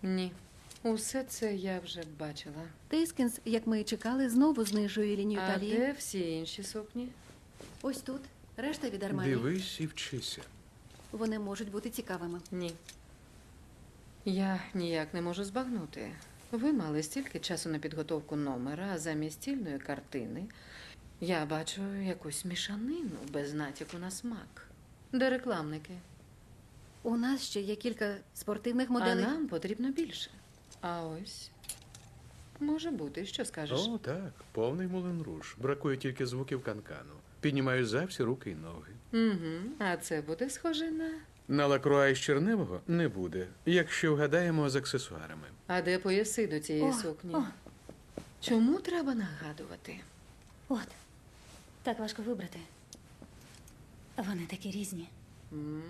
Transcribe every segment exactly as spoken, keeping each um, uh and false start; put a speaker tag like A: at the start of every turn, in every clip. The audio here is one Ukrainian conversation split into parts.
A: Ні. Усе це я вже бачила.
B: Тейскінс, як ми і чекали, знову знижує лінію
A: А
B: талії.
A: де всі інші сукні?
B: Ось тут. Решта від Армані.
C: Дивись і вчися.
B: Вони можуть бути цікавими.
A: Ні. Я ніяк не можу збагнути. Ви мали стільки часу на підготовку номера, а замість стільної картини я бачу якусь мішанину без натяку на смак. Де рекламники?
B: У нас ще є кілька спортивних
A: А
B: моделей.
A: нам потрібно більше. А ось може бути, що скажеш?
C: О, так, повний Мулен Руж. Бракує тільки звуків канкану. Піднімаю за всі руки й ноги.
A: Угу. А це буде схоже на.
C: На лакруа із черневого не буде, якщо вгадаємо з аксесуарами.
A: А де пояси до цієї
B: О,
A: сукні?
B: о.
A: Чому треба нагадувати?
D: От. Так важко вибрати. Вони такі різні.
A: М.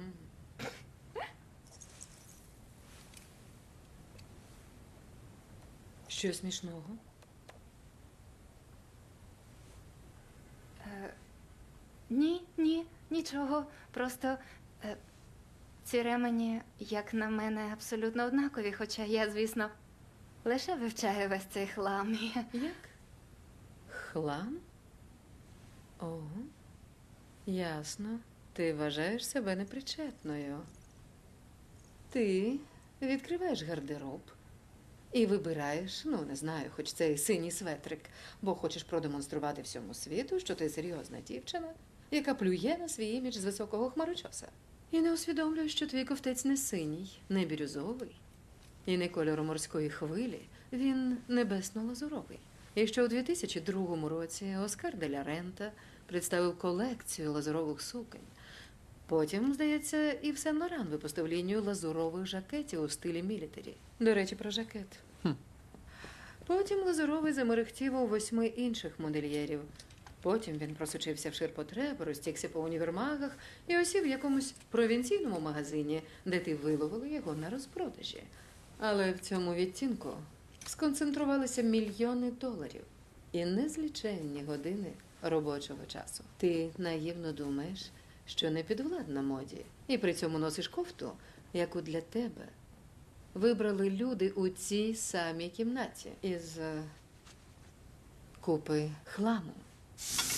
A: Що смішного?
E: Ні, ні, нічого. Просто е, ці ремені, як на мене, абсолютно однакові, хоча я, звісно, лише вивчаю весь цей хлам.
A: Як? Хлам? О, ясно. Ти вважаєш себе непричетною. Ти відкриваєш гардероб і вибираєш, ну, не знаю, хоч цей синій светрик, бо хочеш продемонструвати всьому світу, що ти серйозна дівчина, яка плює на свій імідж з високого хмарочоса. І не усвідомлюєш, що твій ковтець не синій, не бірюзовий, і не кольору морської хвилі, він небесно-лазуровий. І що у дві тисячі другому році Оскар де ля Рента представив колекцію лазурових суконь. Потім, здається, і в Сен-Лоран випустив лінію лазурових жакетів у стилі мілітарі. До речі, про жакет.
C: Хм.
A: Потім лазуровий замерехтів у восьми інших модельєрів. Потім він просочився в ширпотреб, розтікся по універмагах і осів в якомусь провінційному магазині, де ти виловили його на розпродажі. Але в цьому відтінку сконцентрувалися мільйони доларів і незліченні години робочого часу. Ти наївно думаєш, що не підвладна моді, і при цьому носиш кофту, яку для тебе вибрали люди у цій самій кімнаті із е, купи хламу.